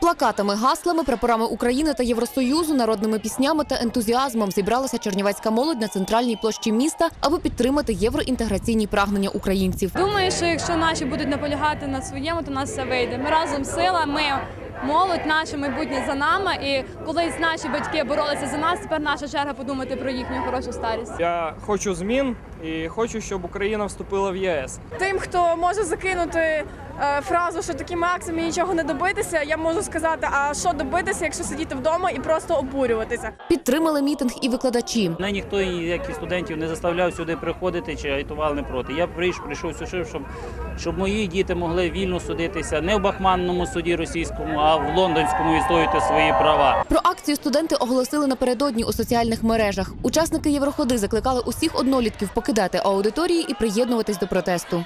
плакатами, гаслами, прапорами України та Євросоюзу, народними піснями та ентузіазмом зібралася чернівецька молодь на центральній площі міста, аби підтримати євроінтеграційні прагнення українців. Думаю, що якщо наші будуть наполягати на своєму, то у нас все вийде. Ми разом сила, ми молодь, наше майбутнє за нами. І колись наші батьки боролися за нас, тепер наша черга подумати про їхню хорошу старість. Я хочу змін і хочу, щоб Україна вступила в ЄС. Тим, хто може закинути фразу, що такими акціями нічого не добитися, я можу сказати, а що добитися, якщо сидіти вдома і просто обурюватися. Підтримали мітинг і викладачі. Мене ніхто, як і студентів, не заставляв сюди приходити чи агітував не проти. Я прийшов сюди, щоб мої діти могли вільно судитися не в Бахманному суді російському, а в лондонському відстоювати свої права. Про акцію студенти оголосили напередодні у соціальних мережах. Учасники Євроходи закликали усіх однолітків покидати аудиторії і приєднуватись до протесту.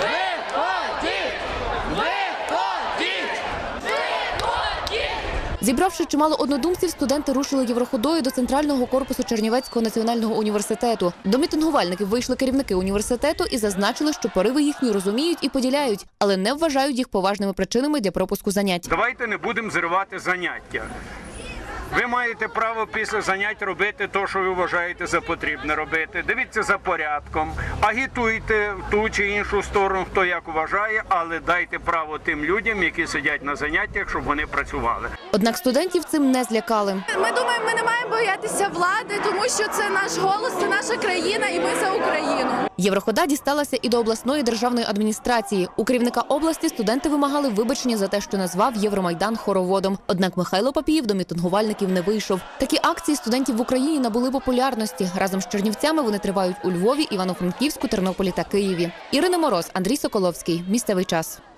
Зібравши чимало однодумців, студенти рушили Євроходою до центрального корпусу Чернівецького національного університету. До мітингувальників вийшли керівники університету і зазначили, що пориви їхні розуміють і поділяють, але не вважають їх поважними причинами для пропуску занять. Давайте не будемо зривати заняття. Ви маєте право після занять робити те, що ви вважаєте за потрібне робити. Дивіться за порядком, агітуйте в ту чи іншу сторону, хто як вважає, але дайте право тим людям, які сидять на заняттях, щоб вони працювали. Однак студентів цим не злякали. Ми думаємо, ми не маємо боятися влади, тому що це наш голос, це наша країна і ми за Україну. Єврохода дісталася і до обласної державної адміністрації. У керівника області студенти вимагали вибачення за те, що назвав Євромайдан хороводом. Однак Михайло Папієв до мітингувальників не вийшов. Такі акції студентів в Україні набули популярності. Разом з чернівцями вони тривають у Львові, Івано-Франківську, Тернополі та Києві. Ірина Мороз, Андрій Соколовський. Місцевий час.